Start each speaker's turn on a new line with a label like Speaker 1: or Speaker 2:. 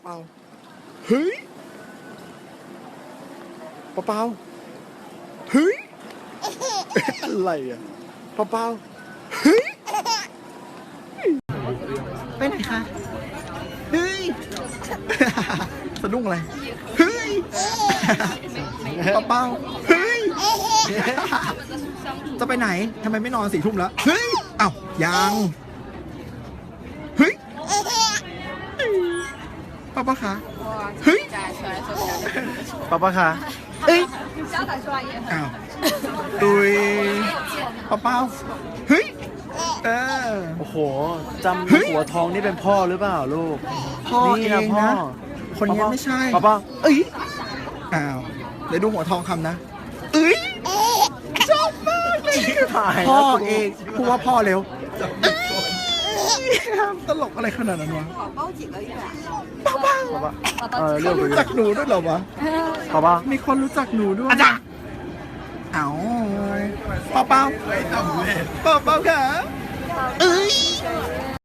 Speaker 1: เปาเฮ้ยเปาเปาเฮ้ยอะไรอ่ะเปาเปาเฮ้ยไปไหนคะเฮ้ยสะดุ้งอะไรเฮ้ยเปาเปาเฮ้ยจะไปไหนทำไมไม่นอน4 ทุ่มแล้วเฮ้ยอ้าวยังเฮ้ยป้าป้าคะเฮ้ยป้าป้าคะเอ้ยอ้าวตุยป้าเป้าเฮ้ย
Speaker 2: โอ้โหจำหัวทองนี่เป็นพ่อหรือเปล่าลูก
Speaker 1: พ่อเองนะคนนี้ไม่ใช่ป้าป้าเอ้ยอ้าวเดี๋ยวดูหัวทองคำนะเอ้ยชอบมากเลยพ่อเองพูดว่าพ่อเร็วตลกอะไรขนาดนั้นวะป้า
Speaker 2: เรื่อง
Speaker 1: รู้จักหนูด้วยเหรอวะ
Speaker 2: ป้า
Speaker 1: มีคนรู้จักหนูด้วยเอ้าป้าค่ะเอ้ย